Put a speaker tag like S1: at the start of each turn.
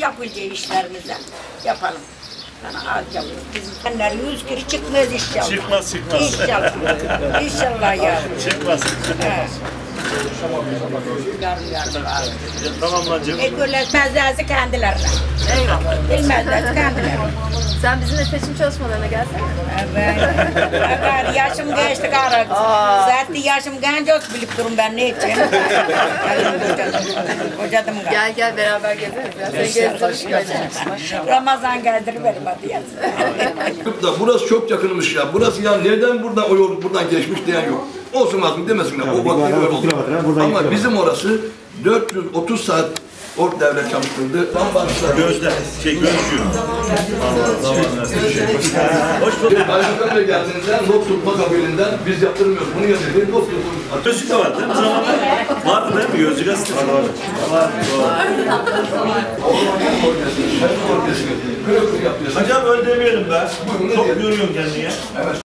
S1: yapacağı işlerimizi yapalım. Sana az yapalım. Bizimler 100 kişi çıkmaz inşallah.
S2: Çıkmaz.
S1: İnşallah. İnşallah yavrum.
S2: Çıkmaz.
S1: He. Yarım var.
S2: Tamam bacım.
S1: Bilmezlerse kendilerine. Bilmezlerse kendilerine.
S3: Sen bizimle seçim çalışmalarına gelsene.
S1: Evet. Yaşım geçti kara. Zaten yaşım genç olsun bilip durun ben ne için. Kocadım galiba.
S3: Gel beraber gezeriz ya. Seni gezdiririz.
S1: Ramazan gezdiriverim hadi yaz.
S4: Burası çok yakınmış ya. Burası ya nereden buradan o yol buradan geçmiş diyen yok. Olsun azım demesinler. O vakti böyle oldu. Ama bizim orası 430 saat orta devlet çalıştırdı.
S2: Gözde, gözcü. Hoş bulduk.
S4: Başbakan Bey geldiğinizde not tutma kabiliğinden biz yaptırmıyoruz. Bunu yazıyor. Not tutma.
S2: Gözlük de var değil mi? Zamanlar vardı değil mi? Gözlük gazetesi var. Hocam öyle demeyelim be. Çok yoruyorsun kendini ya.